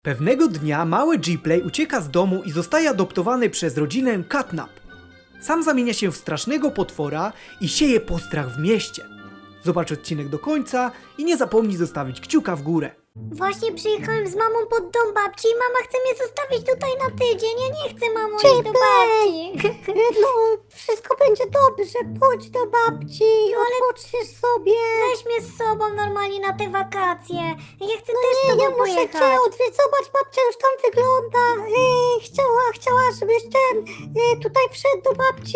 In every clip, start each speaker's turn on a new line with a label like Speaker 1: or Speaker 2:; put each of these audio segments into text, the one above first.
Speaker 1: Pewnego dnia mały Gplay ucieka z domu i zostaje adoptowany przez rodzinę Catnap. Sam zamienia się w strasznego potwora i sieje postrach w mieście. Zobacz odcinek do końca i nie zapomnij zostawić kciuka w górę.
Speaker 2: Właśnie przyjechałem z mamą pod dom babci i mama chce mnie zostawić tutaj na tydzień. Ja nie chcę, mamo, iść do babci.
Speaker 3: No, wszystko będzie dobrze, pójdź do babci, odpoczniesz sobie.
Speaker 2: Weź mnie z sobą normalnie na te wakacje. Ja chcę
Speaker 3: No
Speaker 2: też z
Speaker 3: nie,
Speaker 2: tobą
Speaker 3: ja muszę
Speaker 2: pojechać.
Speaker 3: cię odwiedzić, zobacz, babcia już tam wygląda. Chciała, żebyś tutaj wszedł do babci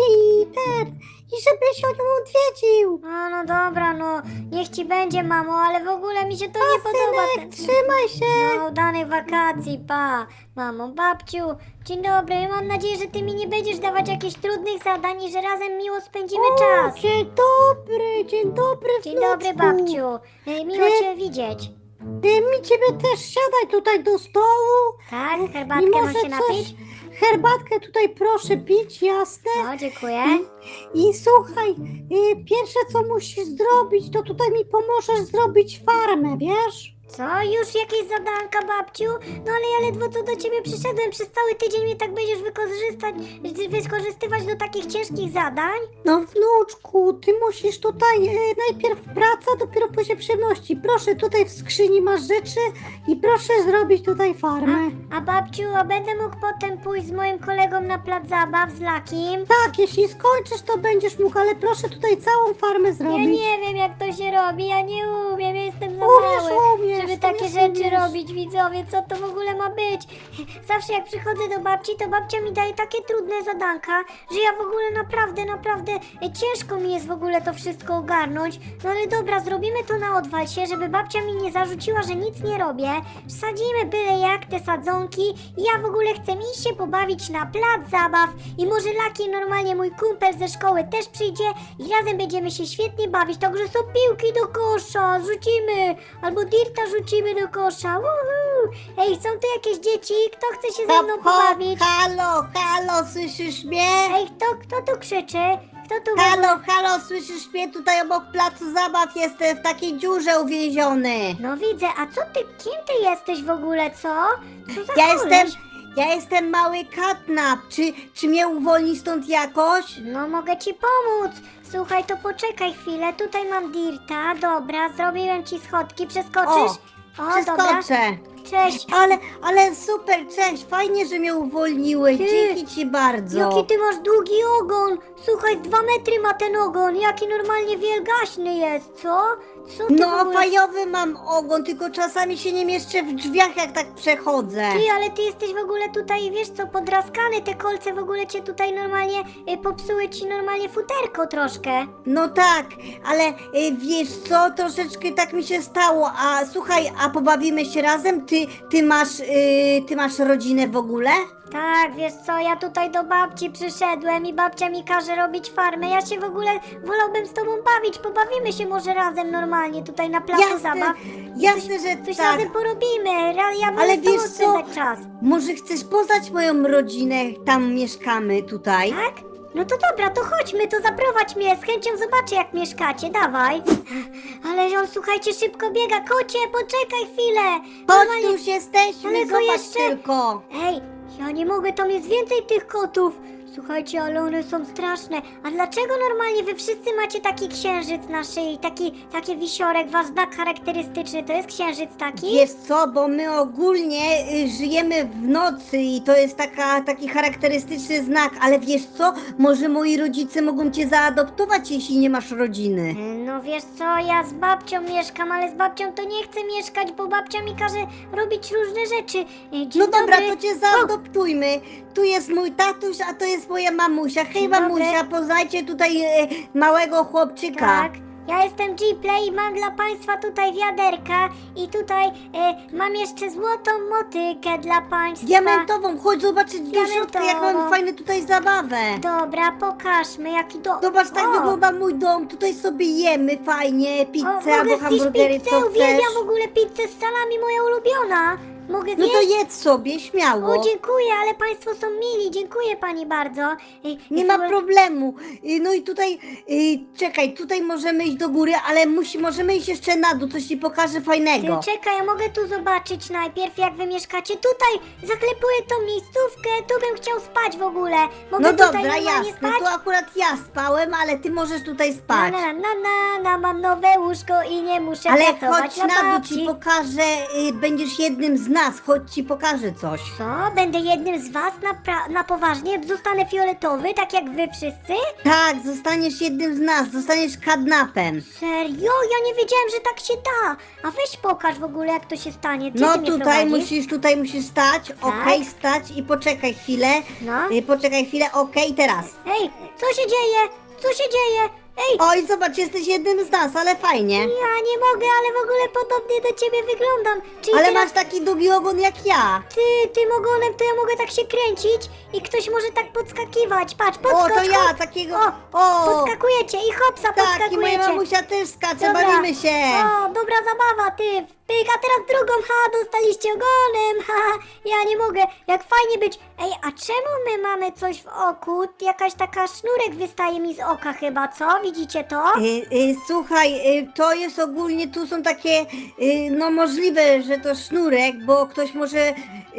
Speaker 3: i żebyś o nią odwiedził.
Speaker 2: No dobra, no niech ci będzie, mamo, ale w ogóle mi się to nie podoba.
Speaker 3: Synek, trzymaj się.
Speaker 2: No, udanych wakacji, pa. Mamo, babciu, dzień dobry. Mam nadzieję, że ty mi nie będziesz dawać jakichś trudnych zadań i że razem miło spędzimy czas.
Speaker 3: Dzień dobry,
Speaker 2: Dzień dobry,
Speaker 3: wnuczku.
Speaker 2: babciu. Miło cię widzieć.
Speaker 3: Mi ciebie też, siadaj tutaj do stołu.
Speaker 2: Tak,
Speaker 3: I
Speaker 2: herbatkę mam
Speaker 3: może
Speaker 2: się napić?
Speaker 3: Herbatkę tutaj proszę pić, jasne?
Speaker 2: O, dziękuję.
Speaker 3: I słuchaj, pierwsze co musisz zrobić, to tutaj mi pomożesz zrobić farmę, wiesz?
Speaker 2: Co? Już jakieś zadanka, babciu? No ale ja ledwo co do ciebie przyszedłem. Przez cały tydzień mnie tak będziesz wykorzystywać do takich ciężkich zadań?
Speaker 3: No wnuczku, ty musisz tutaj najpierw praca, dopiero później przyjemności. Proszę, tutaj w skrzyni masz rzeczy i proszę zrobić tutaj farmę.
Speaker 2: A babciu, a będę mógł potem pójść z moim kolegą na plac zabaw z Lakim?
Speaker 3: Tak, jeśli skończysz, to będziesz mógł, ale proszę tutaj całą farmę
Speaker 2: Ja
Speaker 3: zrobić.
Speaker 2: nie wiem, jak to się robi, ja nie umiem, ja jestem za
Speaker 3: Umiesz,
Speaker 2: mały, żeby
Speaker 3: umiesz,
Speaker 2: takie rzeczy
Speaker 3: umiesz.
Speaker 2: robić, widzowie, co to w ogóle ma być? Zawsze jak przychodzę do babci, to babcia mi daje takie trudne zadanka, że ja w ogóle naprawdę ciężko mi jest w ogóle to wszystko ogarnąć. No ale dobra, zrobimy to na odwalsie, żeby babcia mi nie zarzuciła, że nic nie robię. Sadzimy byle jak te sadzonki i ja w ogóle chcę iść się pobawić na plac zabaw i może Laki, normalnie mój kumpel ze szkoły też przyjdzie i razem będziemy się świetnie bawić, także są piłki do kosza, rzucimy, albo dirta rzucimy do kosza. Woohoo! Ej, są tu jakieś dzieci? Kto chce się ze mną pobawić?
Speaker 3: Halo, słyszysz mnie?
Speaker 2: Ej, kto tu krzyczy? Kto tu
Speaker 3: Halo, słyszysz mnie? Tutaj obok placu zabaw jestem w takiej dziurze uwięziony.
Speaker 2: No widzę, a co ty, kim ty jesteś w ogóle, co? Co za
Speaker 3: Ja
Speaker 2: koleś?
Speaker 3: jestem mały Catnap. Czy mnie uwolni stąd jakoś?
Speaker 2: No mogę ci pomóc. Słuchaj, to poczekaj chwilę. Tutaj mam dirta. Dobra, zrobiłem ci schodki. Przeskoczysz? Dobra.
Speaker 3: Przeskoczę.
Speaker 2: Cześć.
Speaker 3: Ale super, cześć, fajnie, że mnie uwolniłeś.
Speaker 2: Ty,
Speaker 3: Dzięki ci bardzo.
Speaker 2: Jaki ty masz długi ogon. Słuchaj, 2 metry ma ten ogon. Jaki normalnie wielgaśny jest, co? Co ty w
Speaker 3: No,
Speaker 2: ogóle...
Speaker 3: fajowy mam ogon, tylko czasami się nie mieszczę w drzwiach, jak tak przechodzę.
Speaker 2: Ty, ale ty jesteś w ogóle tutaj, wiesz co, podraskany. Te kolce w ogóle cię tutaj normalnie popsuły ci normalnie futerko troszkę.
Speaker 3: No tak, ale wiesz co, troszeczkę tak mi się stało. A słuchaj, a pobawimy się razem? Ty masz rodzinę w ogóle?
Speaker 2: Tak, wiesz co, ja tutaj do babci przyszedłem i babcia mi każe robić farmę. Ja się w ogóle wolałbym z tobą bawić. Pobawimy się może razem normalnie tutaj na placu zabaw.
Speaker 3: Jasne, że
Speaker 2: Coś
Speaker 3: tak.
Speaker 2: razem porobimy. Ja wolę
Speaker 3: Ale
Speaker 2: z tobą
Speaker 3: wiesz co?
Speaker 2: spędzać czas.
Speaker 3: Może chcesz poznać moją rodzinę? Tam mieszkamy tutaj.
Speaker 2: Tak? No to dobra, to chodźmy, to zaprowadź mnie. Z chęcią zobaczę, jak mieszkacie. Dawaj. Ale on, słuchajcie, szybko biega. Kocie, poczekaj chwilę.
Speaker 3: Chodź, tu już jesteśmy,
Speaker 2: Ale go
Speaker 3: zobacz
Speaker 2: jeszcze-
Speaker 3: tylko.
Speaker 2: Ej, ja nie mogę, tam jest więcej tych kotów. Słuchajcie, ale one są straszne. A dlaczego normalnie wy wszyscy macie taki księżyc na szyi? Taki wisiorek, wasz znak charakterystyczny, to jest księżyc taki?
Speaker 3: Wiesz co, bo my ogólnie żyjemy w nocy i to jest taki charakterystyczny znak, ale wiesz co, może moi rodzice mogą cię zaadoptować, jeśli nie masz rodziny.
Speaker 2: No wiesz co, ja z babcią mieszkam, ale z babcią to nie chcę mieszkać, bo babcia mi każe robić różne rzeczy. Dzień
Speaker 3: No dobra,
Speaker 2: dobry.
Speaker 3: to cię zaadoptujmy. Tu jest mój tatuś, a to jest moja mamusia. Hej
Speaker 2: Dzień dobry.
Speaker 3: mamusia, poznajcie tutaj małego chłopczyka.
Speaker 2: Tak, ja jestem Gplay i mam dla państwa tutaj wiaderka i tutaj mam jeszcze złotą motykę dla państwa.
Speaker 3: Diamentową, chodź zobaczyć do środka, jak
Speaker 2: Diamentową.
Speaker 3: mam fajne tutaj zabawę.
Speaker 2: Dobra, pokażmy jaki to...
Speaker 3: Zobacz, tak
Speaker 2: O!
Speaker 3: wygląda mój dom. Tutaj sobie jemy fajnie,
Speaker 2: O,
Speaker 3: pizzę
Speaker 2: mogę
Speaker 3: albo
Speaker 2: zjeść
Speaker 3: hamburgery,
Speaker 2: pizzę,
Speaker 3: co chcesz.
Speaker 2: uwielbiam w ogóle pizzę z salami, moja ulubiona. Mogę
Speaker 3: No
Speaker 2: zjeść?
Speaker 3: to jedz sobie, śmiało.
Speaker 2: O, dziękuję, ale państwo są mili, dziękuję pani bardzo.
Speaker 3: Nie ma problemu. No i tutaj, czekaj, tutaj możemy iść do góry, ale możemy iść jeszcze na dół, coś ci pokażę fajnego.
Speaker 2: Czekaj, ja mogę tu zobaczyć najpierw, jak wy mieszkacie. Tutaj zaklepuję tą miejscówkę, tu bym chciał spać w ogóle. Mogę
Speaker 3: No
Speaker 2: tutaj
Speaker 3: dobra,
Speaker 2: normalnie
Speaker 3: jasne,
Speaker 2: spać?
Speaker 3: tu akurat ja spałem, ale ty możesz tutaj
Speaker 2: Na,
Speaker 3: spać.
Speaker 2: mam nowe łóżko i nie muszę
Speaker 3: Ale
Speaker 2: pracować
Speaker 3: chodź
Speaker 2: na
Speaker 3: na dół,
Speaker 2: babci.
Speaker 3: ci pokażę, będziesz jednym z nas, chodź ci pokażę coś.
Speaker 2: Co? Będę jednym z was na poważnie? Zostanę fioletowy, tak jak wy wszyscy?
Speaker 3: Tak, zostaniesz jednym z nas, zostaniesz kadnapem.
Speaker 2: Serio? Ja nie wiedziałem, że tak się da. A weź pokaż w ogóle, jak to się stanie. Gdzie
Speaker 3: No
Speaker 2: ty mnie
Speaker 3: tutaj
Speaker 2: prowadzisz?
Speaker 3: musisz stać, okej, stać i poczekaj chwilę.
Speaker 2: No.
Speaker 3: Poczekaj chwilę, okej, teraz.
Speaker 2: Ej, co się dzieje? Co się dzieje? Ej,
Speaker 3: Oj, zobacz, jesteś jednym z nas, ale fajnie.
Speaker 2: ja nie mogę, ale w ogóle podobnie do ciebie wyglądam. Czyli
Speaker 3: Ale
Speaker 2: teraz
Speaker 3: masz taki długi ogon jak ja.
Speaker 2: tym ogonem to ja mogę tak się kręcić i ktoś może tak podskakiwać. Patrz,
Speaker 3: O,
Speaker 2: podskocz,
Speaker 3: to ja,
Speaker 2: hop.
Speaker 3: takiego.
Speaker 2: Podskakujecie i hopsa,
Speaker 3: Tak, i
Speaker 2: podskakujecie.
Speaker 3: moja mamusia też skacze,
Speaker 2: Dobra.
Speaker 3: bawimy się.
Speaker 2: O, dobra zabawa, ty. Pyk, a teraz drugą, dostaliście ogonem, ja nie mogę, jak fajnie być. Ej, a czemu my mamy coś w oku? Jakaś taka sznurek wystaje mi z oka chyba, co? Widzicie to?
Speaker 3: Słuchaj, to jest ogólnie, tu są takie, no możliwe, że to sznurek, bo ktoś może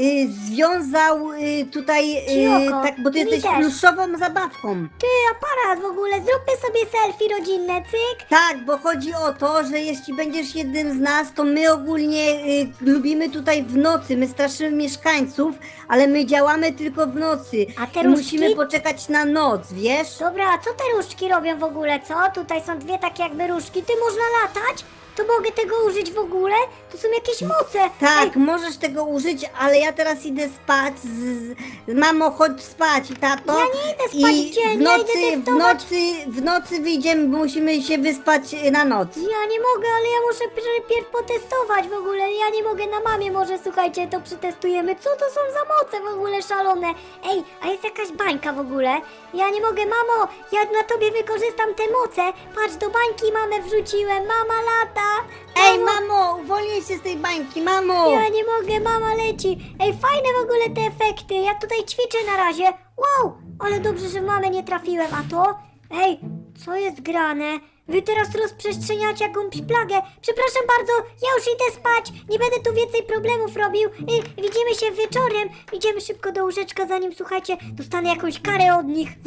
Speaker 3: związał tutaj,
Speaker 2: Ci oko.
Speaker 3: tak, bo ty
Speaker 2: Mi
Speaker 3: jesteś
Speaker 2: też.
Speaker 3: pluszową zabawką.
Speaker 2: Ty, aparat w ogóle, zróbmy sobie selfie rodzinne, cyk.
Speaker 3: Tak, bo chodzi o to, że jeśli będziesz jednym z nas, to my ogólnie lubimy tutaj w nocy, my straszymy mieszkańców, ale my działamy tylko w nocy.
Speaker 2: A te
Speaker 3: I
Speaker 2: różdżki?
Speaker 3: musimy poczekać na noc, wiesz?
Speaker 2: Dobra, a co te różdżki robią w ogóle, co? Tutaj są dwie takie jakby różdżki, ty można latać? To mogę tego użyć w ogóle? To są jakieś moce.
Speaker 3: Tak,
Speaker 2: Ej,
Speaker 3: możesz tego użyć, ale ja teraz idę spać. Mamo, chodź spać, tato.
Speaker 2: Ja nie idę spać
Speaker 3: I
Speaker 2: w dzień,
Speaker 3: w
Speaker 2: ja
Speaker 3: nocy,
Speaker 2: idę
Speaker 3: w
Speaker 2: testować.
Speaker 3: nocy, w nocy wyjdziemy, bo musimy się wyspać na noc.
Speaker 2: Ja nie mogę, ale ja muszę pierw potestować w ogóle. Ja nie mogę na mamie, może słuchajcie, to przetestujemy. Co to są za moce w ogóle szalone? Ej, a jest jakaś bańka w ogóle? Ja nie mogę, mamo, ja na tobie wykorzystam te moce. Patrz, do bańki mamę wrzuciłem, mama lata.
Speaker 3: Ej, mamo, uwolnij się z tej bańki, mamo.
Speaker 2: Ja nie mogę, mama leci. Ej, fajne w ogóle te efekty. Ja tutaj ćwiczę na razie. Wow, ale dobrze, że w mamę nie trafiłem. A to? Ej, co jest grane? Wy teraz rozprzestrzeniacie jakąś plagę. Przepraszam bardzo, ja już idę spać. Nie będę tu więcej problemów robił. Widzimy się wieczorem. Idziemy szybko do łóżeczka, zanim, słuchajcie, dostanę jakąś karę od nich.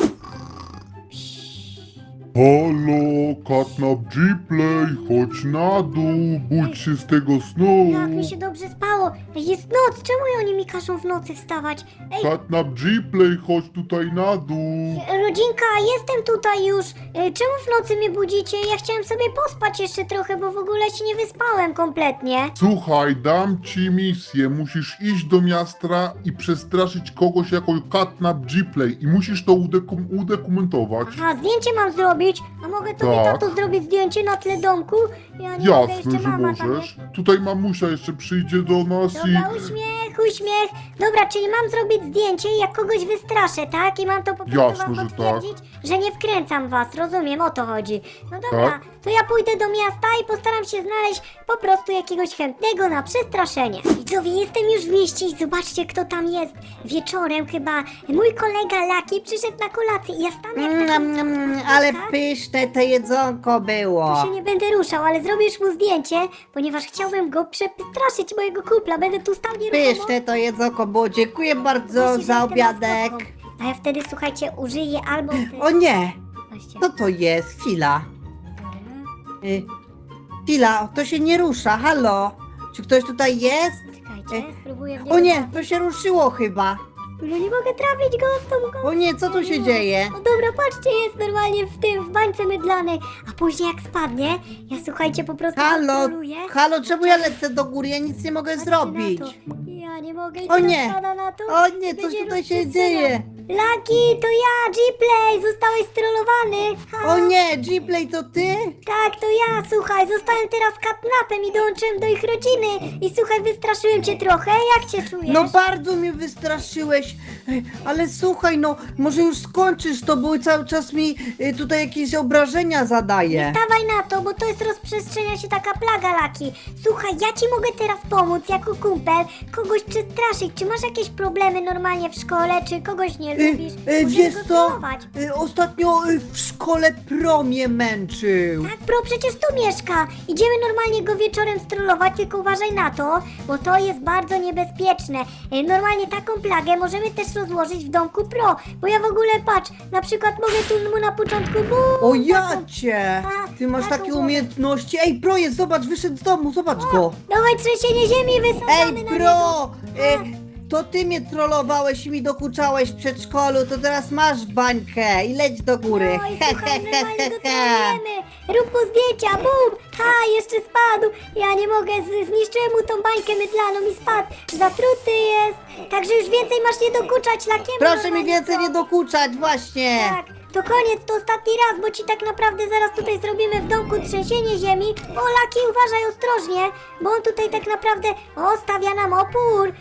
Speaker 4: Halo, Catnap G-Play, chodź na dół, budź się z tego snu.
Speaker 2: Jak mi się dobrze spało. Ej, jest noc, czemu oni mi każą w nocy wstawać? Ej,
Speaker 4: Catnap G-Play, chodź tutaj na dół.
Speaker 2: rodzinka, jestem tutaj już. Czemu w nocy mnie budzicie? Ja chciałem sobie pospać jeszcze trochę, bo w ogóle się nie wyspałem kompletnie.
Speaker 4: Słuchaj, dam ci misję, musisz iść do miasta i przestraszyć kogoś jako Catnap G-Play i musisz to udokumentować.
Speaker 2: Aha, zdjęcie mam zrobić. A mogę tobie,
Speaker 4: Tak.
Speaker 2: tato, zrobić zdjęcie na tle domku? Ja nie mogę,
Speaker 4: Jasne,
Speaker 2: jeszcze
Speaker 4: że
Speaker 2: mama tam
Speaker 4: możesz.
Speaker 2: jest.
Speaker 4: Tutaj mamusia jeszcze przyjdzie do nas
Speaker 2: Dobra,
Speaker 4: i...
Speaker 2: uśmiech. Dobra, czyli mam zrobić zdjęcie i jak kogoś wystraszę, tak? I mam to po prostu
Speaker 4: Jasne,
Speaker 2: wam
Speaker 4: że
Speaker 2: potwierdzić, że nie wkręcam was, rozumiem, o to chodzi. No dobra,
Speaker 4: Tak.
Speaker 2: to ja pójdę do miasta i postaram się znaleźć po prostu jakiegoś chętnego na przestraszenie. Widzowie, jestem już w mieście i zobaczcie, kto tam jest. Wieczorem chyba mój kolega Laki przyszedł na kolację i ja stanę jak taka
Speaker 3: Ale
Speaker 2: tak?
Speaker 3: pyszne to jedzonko było.
Speaker 2: się nie będę ruszał, ale zrobisz mu zdjęcie, ponieważ chciałbym go przestraszyć, mojego kupla. Będę tu stał nieruchomo.
Speaker 3: Pyszne to jedzonko było, dziękuję bardzo
Speaker 2: Myślisz, że
Speaker 3: za
Speaker 2: jestem
Speaker 3: obiadek.
Speaker 2: maskotką. A ja wtedy, słuchajcie, użyję albo...
Speaker 3: O nie,
Speaker 2: Właśnie.
Speaker 3: co to jest? Chwila. Chwila, to się nie rusza, halo. Czy ktoś tutaj jest?
Speaker 2: Czekajcie, spróbuję w
Speaker 3: O nie,
Speaker 2: trafić.
Speaker 3: to się ruszyło chyba.
Speaker 2: No nie mogę trafić go z tą
Speaker 3: O nie, co tu się dzieje?
Speaker 2: No dobra, patrzcie, jest normalnie w bańce mydlanej. A później jak spadnie, ja słuchajcie, po prostu
Speaker 3: Halo,
Speaker 2: kontroluję.
Speaker 3: halo, czemu ja lecę do góry? Ja nic nie mogę
Speaker 2: Patrzcie
Speaker 3: zrobić.
Speaker 2: na to. Ja nie mogę i
Speaker 3: O
Speaker 2: teraz
Speaker 3: nie.
Speaker 2: spada na to.
Speaker 3: O nie, coś
Speaker 2: Będzie
Speaker 3: tutaj się
Speaker 2: rozprzestrzeniał.
Speaker 3: dzieje.
Speaker 2: Lucky, to ja, Gplay, zostałeś strollowany. Ha,
Speaker 3: O nie, Gplay, to ty?
Speaker 2: tak, to ja, słuchaj, zostałem teraz catnapem i dołączyłem do ich rodziny. I słuchaj, wystraszyłem cię trochę, jak cię czujesz?
Speaker 3: No bardzo mnie wystraszyłeś, Ej, ale słuchaj, no może już skończysz to, bo cały czas mi tutaj jakieś obrażenia zadaje.
Speaker 2: Dawaj na to, bo to jest rozprzestrzenia się taka plaga, Laki. Słuchaj, ja ci mogę teraz pomóc jako kumpel, kogoś przestraszyć. Czy masz jakieś problemy normalnie w szkole, czy kogoś nie lubisz? Możesz
Speaker 3: Wiesz
Speaker 2: go
Speaker 3: co,
Speaker 2: trollować.
Speaker 3: ostatnio w szkole Pro mnie męczył.
Speaker 2: Tak, Pro przecież tu mieszka. Idziemy normalnie go wieczorem strollować, tylko uważaj na to, bo to jest bardzo niebezpieczne. Normalnie taką plagę możemy też rozłożyć w domku Pro, bo ja w ogóle, patrz, na przykład mogę tu mu na początku
Speaker 3: O ja cię!
Speaker 2: A,
Speaker 3: Ty masz
Speaker 2: taką
Speaker 3: takie
Speaker 2: głowę.
Speaker 3: umiejętności. Ej, Pro jest, zobacz, wyszedł z domu, zobacz go.
Speaker 2: Dawaj trzęsienie ziemi, wysadzamy
Speaker 3: Ej,
Speaker 2: na
Speaker 3: Pro!
Speaker 2: niego.
Speaker 3: To ty mnie trollowałeś i mi dokuczałeś w przedszkolu, to teraz masz bańkę i leć do góry.
Speaker 2: No i słuchaj, normalnie go trolujemy. Rób mu zdjęcia, bum! Ha, jeszcze spadł. Ja nie mogę, zniszczyłem mu tą bańkę mydlaną i spadł. Zatruty jest. Także już więcej masz nie dokuczać lakiem.
Speaker 3: Proszę mi więcej nie dokuczać, właśnie.
Speaker 2: Tak, to koniec, to ostatni raz, bo ci tak naprawdę zaraz tutaj zrobimy w domku trzęsienie ziemi. O, Laki, uważaj ostrożnie, bo on tutaj tak naprawdę, stawia nam opór,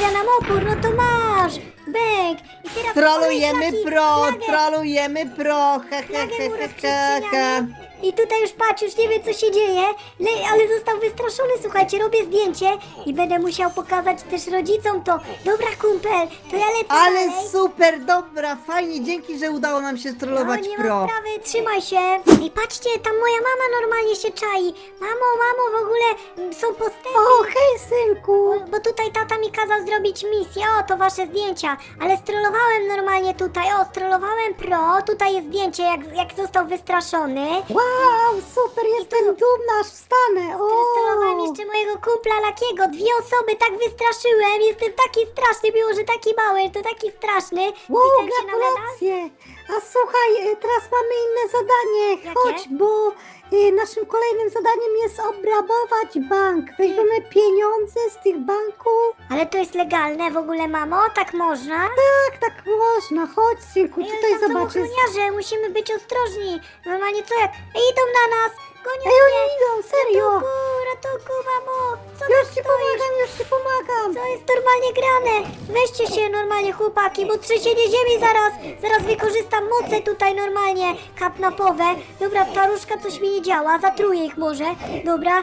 Speaker 2: no to masz, bęk. I teraz
Speaker 3: Trolujemy
Speaker 2: Laki,
Speaker 3: Pro,
Speaker 2: flagę.
Speaker 3: trolujemy Pro,
Speaker 2: Flagę mu rozprzestrzeniamy. I tutaj już patrz, już nie wie co się dzieje, ale został wystraszony, słuchajcie, robię zdjęcie i będę musiał pokazać też rodzicom to. Dobra kumpel, to ja lecę
Speaker 3: Ale
Speaker 2: dalej.
Speaker 3: super, dobra, fajnie, dzięki, że udało nam się strollować
Speaker 2: No, nie ma
Speaker 3: Pro.
Speaker 2: sprawy, trzymaj się. I patrzcie, tam moja mama normalnie się czai. Mamo, w ogóle są postępy.
Speaker 3: O, hej, synku.
Speaker 2: Bo tutaj tata mi kazał zrobić misję, to wasze zdjęcia. Ale strollowałem normalnie tutaj, strollowałem Pro. Tutaj jest zdjęcie, jak został wystraszony.
Speaker 3: Wow, super, jestem dumna, aż wstanę.
Speaker 2: Strollowałem jeszcze mojego kumpla Lakiego. 2 osoby, tak wystraszyłem. Jestem taki straszny, mimo że taki mały, to taki straszny.
Speaker 3: Wow,
Speaker 2: Wpisałem się na medal.
Speaker 3: gratulacje! A słuchaj, teraz mamy inne zadanie.
Speaker 2: Jakie?
Speaker 3: Chodź, bo naszym kolejnym zadaniem jest obrabować bank. Weźmiemy pieniądze z tych banków.
Speaker 2: Ale to jest legalne w ogóle, mamo? Tak można?
Speaker 3: Tak można. Chodź, synku,
Speaker 2: Ej, ale
Speaker 3: tutaj
Speaker 2: tam są
Speaker 3: zobaczysz.
Speaker 2: ochroniarze, musimy być ostrożni. Normalnie co jak? Idą na nas! Gonią
Speaker 3: Ej, oni
Speaker 2: mnie!
Speaker 3: idą, serio.
Speaker 2: Ratunku, mamo! Co
Speaker 3: Już
Speaker 2: tam
Speaker 3: ci
Speaker 2: stoisz?
Speaker 3: pomagam, już ci pomagam.
Speaker 2: To jest normalnie grane! Weźcie się normalnie, chłopaki, bo trzęsienie ziemi zaraz wykorzystam moce tutaj normalnie katnapowe. Dobra, ta różka coś mi nie działa, zatruję ich może. Dobra,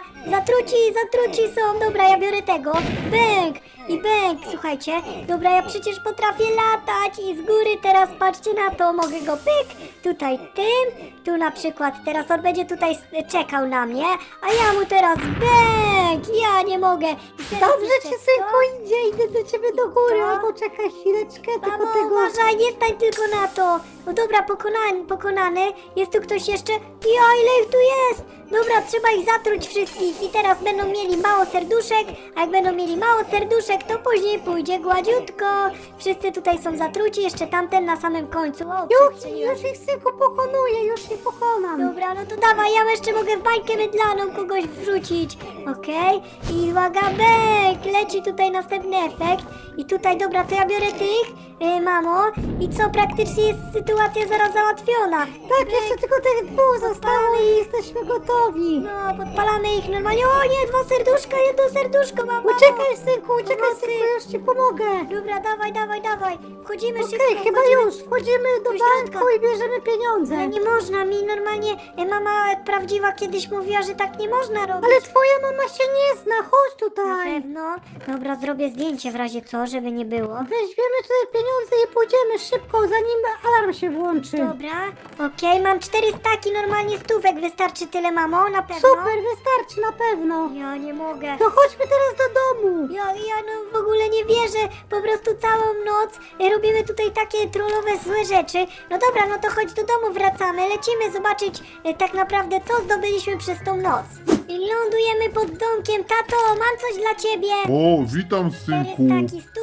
Speaker 2: zatruci są. Dobra, ja biorę tego. Bęk i bęk, słuchajcie. Dobra, ja przecież potrafię latać i z góry teraz patrzcie na to, mogę go pyk, tutaj tym, tu na przykład, teraz on będzie tutaj czekał na mnie, a ja mu teraz bęk, ja nie mogę. I teraz
Speaker 3: Dobrze
Speaker 2: jeszcze
Speaker 3: ci,
Speaker 2: to.
Speaker 3: synku, idzie, idę do ciebie do góry.
Speaker 2: To?
Speaker 3: Albo czekaj chwileczkę, tylko
Speaker 2: Mamo,
Speaker 3: tego...
Speaker 2: uważaj, nie stań tylko na to. No dobra, pokonany. Jest tu ktoś jeszcze? Ja, ile ich tu jest? Dobra, trzeba ich zatruć wszystkich i teraz będą mieli mało serduszek, a jak będą mieli mało serduszek, to później pójdzie gładziutko. Wszyscy tutaj są zatruci, jeszcze tamten na samym końcu. O, przestrzeliłem.
Speaker 3: Już ich, synku, pokonuję, już ich pokonam.
Speaker 2: Dobra, no to dawaj, ja jeszcze mogę w bańkę mydlaną kogoś wrzucić. Okej? I uwaga, bęk! Leci tutaj następny efekt. I tutaj, dobra, to ja biorę tych, mamo. I co, praktycznie jest sytuacja zaraz załatwiona.
Speaker 3: Tak, jeszcze tylko tych 2 zostało i jesteśmy gotowi.
Speaker 2: No, podpalamy ich normalnie. O nie, 2 serduszka, 1 serduszko, mamo.
Speaker 3: Uciekaj, synku, uciekaj,
Speaker 2: Pomocy.
Speaker 3: synku, już ci pomogę.
Speaker 2: Dobra, dawaj. Wchodzimy szybko.
Speaker 3: Okej, chyba
Speaker 2: wchodzimy.
Speaker 3: już. Wchodzimy do
Speaker 2: Do środka.
Speaker 3: banku i bierzemy pieniądze.
Speaker 2: Ale nie można mi normalnie, mama prawdziwa kiedyś mówiła, że tak nie można robić.
Speaker 3: Ale twoja mama się nie zna, chodź
Speaker 2: Na
Speaker 3: tutaj.
Speaker 2: pewno. Dobra, zrobię zdjęcie w razie co, żeby nie było.
Speaker 3: Weźmiemy tutaj pieniądze i pójdziemy szybko, zanim alarm się włączy.
Speaker 2: Dobra, okej, mam 4 staki, normalnie stówek, wystarczy tyle, mamo, na pewno?
Speaker 3: Super, wystarczy na pewno.
Speaker 2: Ja nie mogę.
Speaker 3: To chodźmy teraz do domu.
Speaker 2: Ja no w ogóle nie wierzę, po prostu całą noc robimy tutaj takie trollowe złe rzeczy. No dobra, no to chodź do domu, wracamy, lecimy zobaczyć tak naprawdę co zdobyliśmy przez tą noc. I lądujemy pod domkiem, tato, mam coś dla ciebie.
Speaker 4: O, witam,
Speaker 2: 4
Speaker 4: synku.
Speaker 2: staki stówek, mama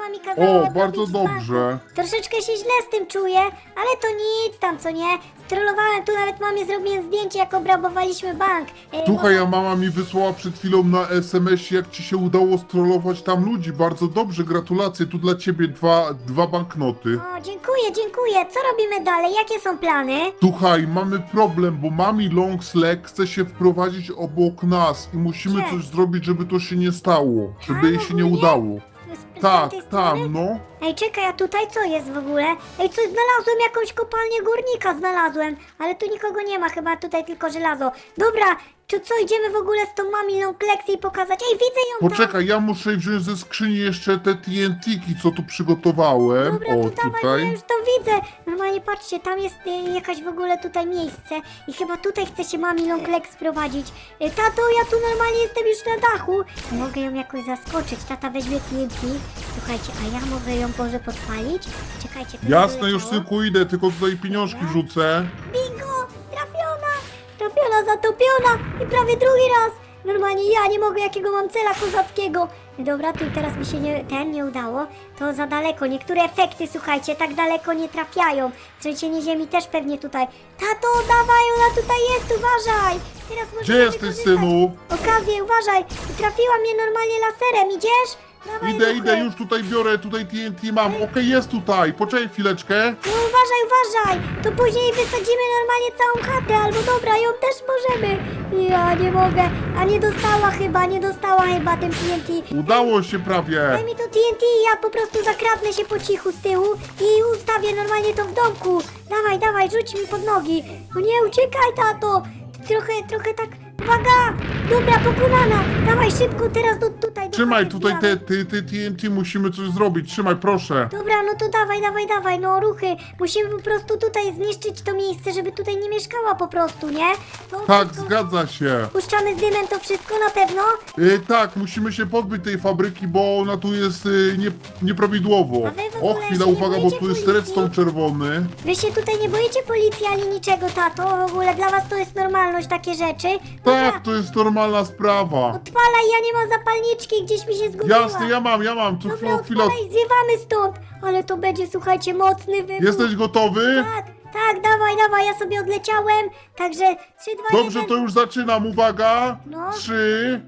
Speaker 2: mama mi kazała
Speaker 4: O,
Speaker 2: odrobić
Speaker 4: bardzo
Speaker 2: w banku.
Speaker 4: dobrze.
Speaker 2: Troszeczkę się źle z tym czuję, ale to nic tam, co nie? Strollowałem tu, nawet mamie zrobiłem zdjęcie, jak obrabowaliśmy bank.
Speaker 4: Słuchaj, a mama mi wysłała przed chwilą na SMS-ie, jak ci się udało strollować tam ludzi. Bardzo dobrze, gratulacje. Tu dla ciebie dwa banknoty.
Speaker 2: O, dziękuję, dziękuję. Co robimy dalej? Jakie są plany?
Speaker 4: Słuchaj, mamy problem, bo mami Longsleg chce się wprowadzić obok nas i musimy
Speaker 2: Gdzie?
Speaker 4: coś zrobić, żeby to się nie stało. Żeby jej się nie
Speaker 2: ogólnie?
Speaker 4: udało.
Speaker 2: Z
Speaker 4: Tak,
Speaker 2: tamtej strony?
Speaker 4: tam, no.
Speaker 2: Ej, czekaj, a tutaj co jest w ogóle? Ej, coś znalazłem, jakąś kopalnię górnika znalazłem, ale tu nikogo nie ma, chyba tutaj tylko żelazo. Dobra, to co, idziemy w ogóle z tą mami Longlegsy i pokazać? Ej, widzę ją tam!
Speaker 4: Poczekaj, ja muszę wziąć ze skrzyni jeszcze te TNT-ki, co tu przygotowałem.
Speaker 2: Dobra,
Speaker 4: O,
Speaker 2: to dawaj, bo ja
Speaker 4: tutaj.
Speaker 2: już to widzę. Normalnie patrzcie, tam jest jakaś w ogóle tutaj miejsce i chyba tutaj chce się mami Longlegs sprowadzić. Tato, ja tu normalnie jestem już na dachu. Mogę ją jakoś zaskoczyć. Tata weźmie TNT. Słuchajcie, a ja mogę ją może podpalić? Czekajcie, to
Speaker 4: Jasne,
Speaker 2: nie
Speaker 4: już
Speaker 2: doleciało.
Speaker 4: synku idę, tylko tutaj pieniążki wrzucę.
Speaker 2: Bingo! Trafiona! Trafiona, zatopiona! I prawie drugi raz! Normalnie ja nie mogę, jakiego mam cela kozackiego. Dobra, tu teraz mi się nie udało. To za daleko. Niektóre efekty, słuchajcie, tak daleko nie trafiają. Trzęsienie ziemi też pewnie tutaj. Tato, dawaj, ona tutaj jest, uważaj! Teraz
Speaker 4: Gdzie
Speaker 2: możemy
Speaker 4: jesteś,
Speaker 2: wykorzystać
Speaker 4: synu?
Speaker 2: okazję, uważaj! Trafiła mnie normalnie laserem, idziesz? Dawaj,
Speaker 4: Idę,
Speaker 2: ruchy.
Speaker 4: idę, już tutaj biorę, tutaj TNT mam. Okej, jest tutaj, poczekaj chwileczkę.
Speaker 2: No uważaj, uważaj! To później wysadzimy normalnie całą chatę, albo dobra, ją też możemy. Ja nie mogę. A nie dostała chyba tym TNT.
Speaker 4: Udało się prawie.
Speaker 2: Daj mi to TNT i ja po prostu zakradnę się po cichu z tyłu i ustawię normalnie to w domku. Dawaj, dawaj, rzuć mi pod nogi. No nie, uciekaj, tato. Trochę tak... Uwaga! Dobra, pokonana. Dawaj szybko teraz tutaj. do
Speaker 4: Trzymaj
Speaker 2: chaty
Speaker 4: tutaj
Speaker 2: wbijamy.
Speaker 4: te TNT, musimy coś zrobić. Trzymaj, proszę.
Speaker 2: Dobra, no to dawaj, no ruchy. Musimy po prostu tutaj zniszczyć to miejsce, żeby tutaj nie mieszkała po prostu, nie? To
Speaker 4: Tak,
Speaker 2: wszystko-
Speaker 4: zgadza się.
Speaker 2: Puszczamy z dymem to wszystko na pewno?
Speaker 4: Tak, musimy się pozbyć tej fabryki, bo ona tu jest nieprawidłowo.
Speaker 2: A wy w
Speaker 4: O,
Speaker 2: ogóle
Speaker 4: chwila,
Speaker 2: się nie
Speaker 4: uwaga, bo
Speaker 2: boicie
Speaker 4: tu jest
Speaker 2: policji?
Speaker 4: redstone czerwony.
Speaker 2: Wy się tutaj nie boicie policji ani niczego, tato? W ogóle dla was to jest normalność, takie rzeczy?
Speaker 4: Tak, to jest normalna sprawa.
Speaker 2: Odpalaj, ja nie mam zapalniczki, gdzieś mi się zgubiła.
Speaker 4: Jasne, ja mam. Tu
Speaker 2: Dobra,
Speaker 4: chwila.
Speaker 2: odpalaj, zwiewamy stąd. Ale to będzie, słuchajcie, mocny wybuch.
Speaker 4: Jesteś gotowy?
Speaker 2: Tak, dawaj, ja sobie odleciałem. Także 3, 2, 1.
Speaker 4: Dobrze, to już zaczynam. Uwaga.
Speaker 2: No.
Speaker 4: 3,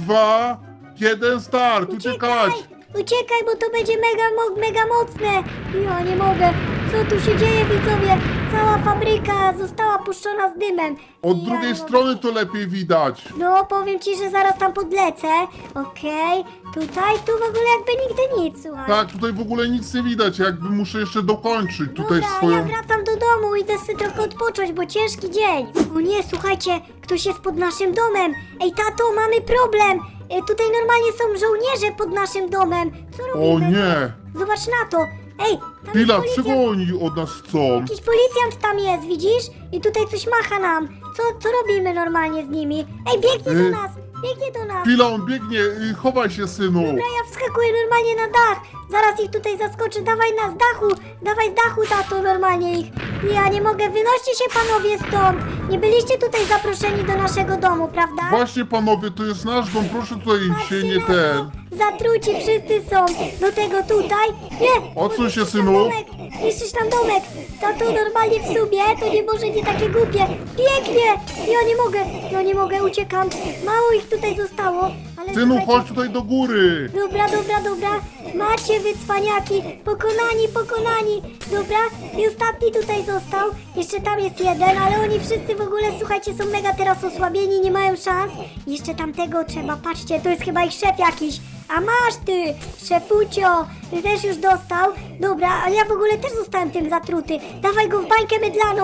Speaker 4: 2, 1, start. Uciekać.
Speaker 2: Uciekaj, bo to będzie mega mocne. Ja nie mogę. Co tu się dzieje, widzowie? Cała fabryka została puszczona z dymem.
Speaker 4: Od
Speaker 2: Ja
Speaker 4: drugiej
Speaker 2: nie
Speaker 4: strony to lepiej widać.
Speaker 2: No, powiem ci, że zaraz tam podlecę. Okej, tu w ogóle jakby nigdy nic, słuchaj.
Speaker 4: Tak, tutaj w ogóle nic nie widać. Jakby muszę jeszcze dokończyć tutaj
Speaker 2: Dobra,
Speaker 4: swoją...
Speaker 2: ja wracam do domu, idę sobie trochę odpocząć, bo ciężki dzień. O nie, słuchajcie, ktoś jest pod naszym domem. Ej, tato, mamy problem. Tutaj normalnie są żołnierze pod naszym domem. Co robimy?
Speaker 4: O nie.
Speaker 2: Zobacz na to. Ej, tam
Speaker 4: Chwila,
Speaker 2: jest
Speaker 4: czego
Speaker 2: policjant.
Speaker 4: oni od nas chcą?
Speaker 2: Jakiś policjant tam jest, widzisz? I tutaj coś macha nam. Co robimy normalnie z nimi? Ej, biegnie do nas, biegnie do nas.
Speaker 4: Chwila, on biegnie. Chowaj się, synu.
Speaker 2: Dobra, ja wskakuję normalnie na dach. Zaraz ich tutaj zaskoczę. Dawaj z dachu, tato, normalnie ich. Ja nie mogę, wynoście się panowie stąd. Nie byliście tutaj zaproszeni do naszego domu, prawda?
Speaker 4: Właśnie, panowie, to jest nasz dom. Proszę tutaj
Speaker 2: Patrzcie
Speaker 4: się nie
Speaker 2: na to.
Speaker 4: ten...
Speaker 2: Zatruci wszyscy są. Do tego tutaj. Nie!
Speaker 4: Odsuń się,
Speaker 2: niszczysz
Speaker 4: synu.
Speaker 2: nam domek, niszczysz nam domek. Tato, normalnie w sumie to nie może nie takie głupie. Pięknie! Ja nie mogę, uciekam. Mało ich tutaj zostało. Ale
Speaker 4: Synu,
Speaker 2: słuchajcie,
Speaker 4: chodź tutaj do góry.
Speaker 2: Dobra. Macie wy cwaniaki. Pokonani. Dobra, i ostatni tutaj został. Jeszcze tam jest jeden, ale oni wszyscy w ogóle, słuchajcie, są mega teraz osłabieni, nie mają szans. Jeszcze tamtego trzeba, patrzcie, to jest chyba ich szef jakiś. A masz ty, szefucio, ty też już dostał. Dobra, ale ja w ogóle też zostałem tym zatruty. Dawaj go w bańkę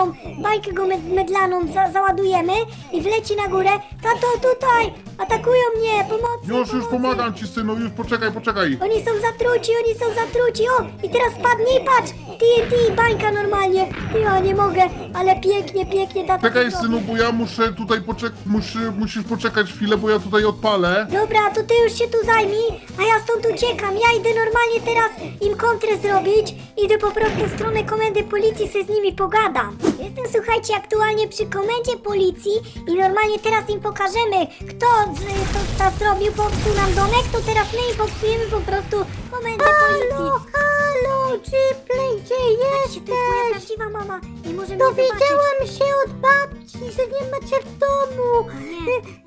Speaker 2: mydlaną załadujemy i wleci na górę. Tato, tutaj, atakują mnie, pomocy.
Speaker 4: Już pomagam ci, synu. Już poczekaj.
Speaker 2: Oni są zatruci, o! I teraz spadnie i patrz! TNT, bańka normalnie! Ja nie mogę, ale pięknie, tata.
Speaker 4: Czekaj,
Speaker 2: to
Speaker 4: synu,
Speaker 2: zrobi.
Speaker 4: bo ja muszę tutaj musisz poczekać chwilę, bo ja tutaj odpalę.
Speaker 2: Dobra, to ty już się tu zajmij, a ja stąd uciekam. Ja idę normalnie teraz im kontrę zrobić. Idę po prostu w stronę komendy policji, sobie z nimi pogadam. Jestem, słuchajcie, aktualnie przy komendzie policji i normalnie teraz im pokażemy, kto to zrobił, popsuł nam domek, to teraz my im popsujemy po prostu komendę policji. i może mnie zobaczyć.
Speaker 3: Dowiedziałam się od babci, że nie macie w domu.
Speaker 2: Nie.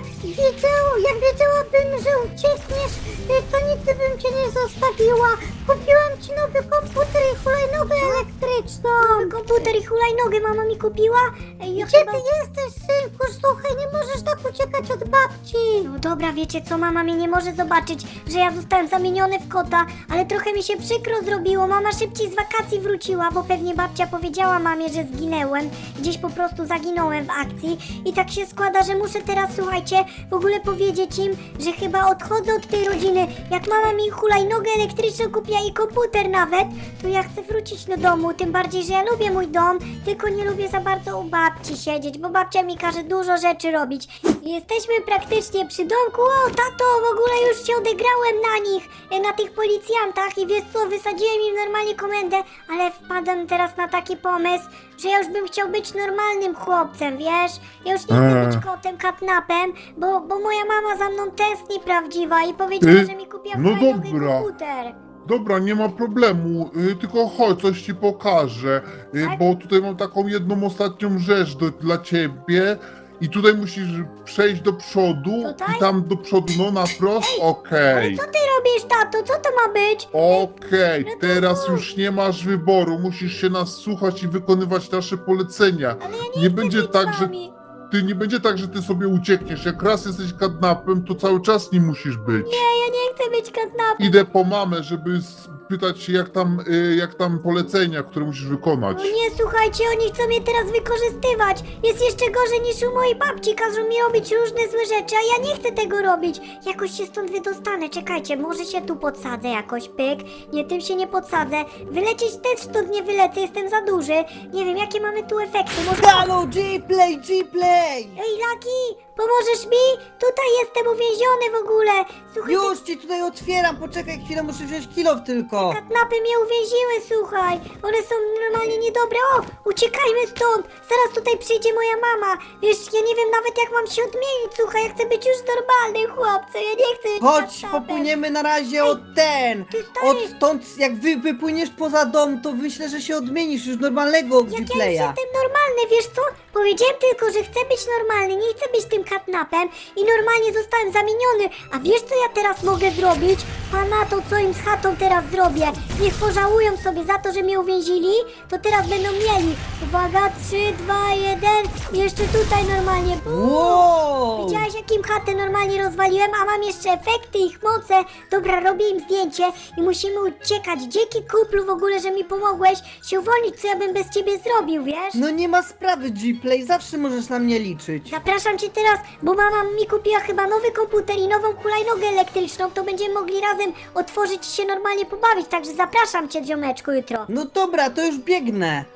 Speaker 3: Jak wiedziałabym, że uciekniesz, to nigdy bym cię nie zostawiła. Kupiłam ci nowy komputer i hulajnogę elektryczną.
Speaker 2: Nowy komputer i hulajnogę mama mi kupiła. Ja
Speaker 3: Gdzie
Speaker 2: chyba...
Speaker 3: ty jesteś, synku? Słuchaj, nie możesz tak uciekać od babci.
Speaker 2: No dobra, wiecie co, mama mnie nie może zobaczyć, że ja zostałem zamieniony w kota, ale trochę mi się przykro zrobiło. Mama szybciej z wakacji wróciła, bo pewnie babcia powiedziała mamie, że zginęłem. Gdzieś po prostu zaginąłem w akcji i tak się składa, że muszę teraz, słuchajcie, w ogóle powiedzieć im, że chyba odchodzę od tej rodziny. Jak mama mi hulajnogę elektryczną kupiła i komputer nawet, to ja chcę wrócić do domu, tym bardziej, że ja lubię mój dom, tylko nie lubię za bardzo u babci siedzieć, bo babcia mi każe dużo rzeczy robić. I jesteśmy praktycznie przy domku. O, tato, w ogóle już się odegrałem na nich, na tych policjantach i wiesz co, wysadziłem im normalnie komendę, ale wpadłem teraz na taki pomysł, że ja już bym chciał być normalnym chłopcem, wiesz? Ja już nie chcę być kotem, katnapem, bo moja mama za mną tęskni prawdziwa i powiedziała, że mi kupiła
Speaker 4: No
Speaker 2: hulajnogę i
Speaker 4: dobra.
Speaker 2: komputer.
Speaker 4: Dobra, nie ma problemu, tylko chodź, coś ci pokażę,
Speaker 2: Tak?
Speaker 4: bo tutaj mam taką jedną ostatnią rzecz dla ciebie i tutaj musisz przejść do przodu
Speaker 2: Tutaj?
Speaker 4: i tam do przodu, no na wprost, okej.
Speaker 2: Co ty robisz, tato? Co to ma być?
Speaker 4: Okej, teraz już nie masz wyboru, musisz się nas słuchać i wykonywać nasze polecenia.
Speaker 2: Ale ja nie,
Speaker 4: Nie
Speaker 2: chcę
Speaker 4: będzie
Speaker 2: być
Speaker 4: tak,
Speaker 2: z
Speaker 4: że
Speaker 2: wami.
Speaker 4: nie będzie tak, że ty sobie uciekniesz. Jak raz jesteś kidnapem, to cały czas nie musisz być.
Speaker 2: Ja nie chcę być katnapem.
Speaker 4: Idę po mamę, żeby spytać się, jak tam polecenia, które musisz wykonać.
Speaker 2: No nie, słuchajcie, oni chcą mnie teraz wykorzystywać. Jest jeszcze gorzej niż u mojej babci. Każą mi robić różne złe rzeczy, a ja nie chcę tego robić. Jakoś się stąd wydostanę. Czekajcie, może się tu podsadzę jakoś, pyk. Nie, tym się nie podsadzę. Wylecieć też stąd nie wylecę, jestem za duży. Nie wiem, jakie mamy tu efekty. Może...
Speaker 1: Halo, G-Play, G-Play!
Speaker 2: Ej, Laki, pomożesz mi? Tutaj jestem uwięziony w ogóle. Słuchaj,
Speaker 1: Już ci tutaj otwieram, poczekaj chwilę, muszę wziąć kilof tylko.
Speaker 2: katnapy mnie uwięziły, słuchaj. One są normalnie niedobre. O, uciekajmy stąd. Zaraz tutaj przyjdzie moja mama. Wiesz, ja nie wiem nawet jak mam się odmienić, słuchaj. Ja chcę być już normalnym chłopcem. Ja nie chcę być
Speaker 1: Chodź,
Speaker 2: katnapem.
Speaker 1: popłyniemy na razie od ten.
Speaker 2: ty stary.
Speaker 1: Od stąd, jak wypłyniesz poza dom, to myślę, że się odmienisz już normalnego
Speaker 2: Jak ja już
Speaker 1: G-Playa.
Speaker 2: jestem normalny, wiesz co? Powiedziałem tylko, że chcę być normalny, nie chcę być tym katnapem i normalnie zostałem zamieniony. A wiesz co ja teraz mogę zrobić? Pana to co im z chatą teraz zrobię? Niech pożałują sobie za to, że mnie uwięzili, to teraz będą mieli. Uwaga, 3, 2, 1 i jeszcze tutaj normalnie. Bum.
Speaker 1: Wow!
Speaker 2: Widziałeś jakim chatę normalnie rozwaliłem, a mam jeszcze efekty, ich moce. Dobra, robię im zdjęcie i musimy uciekać. Dzięki kuplu w ogóle, że mi pomogłeś się uwolnić, co ja bym bez ciebie zrobił, wiesz?
Speaker 1: No nie ma sprawy, G-Play, zawsze możesz na mnie liczyć.
Speaker 2: Zapraszam cię teraz, bo mama mi kupiła chyba nowy komputer i nową hulajnogę elektryczną, to będziemy mogli razem otworzyć i się normalnie pobawić, także zapraszam cię, ziomeczku, jutro.
Speaker 1: No dobra, to już biegnę.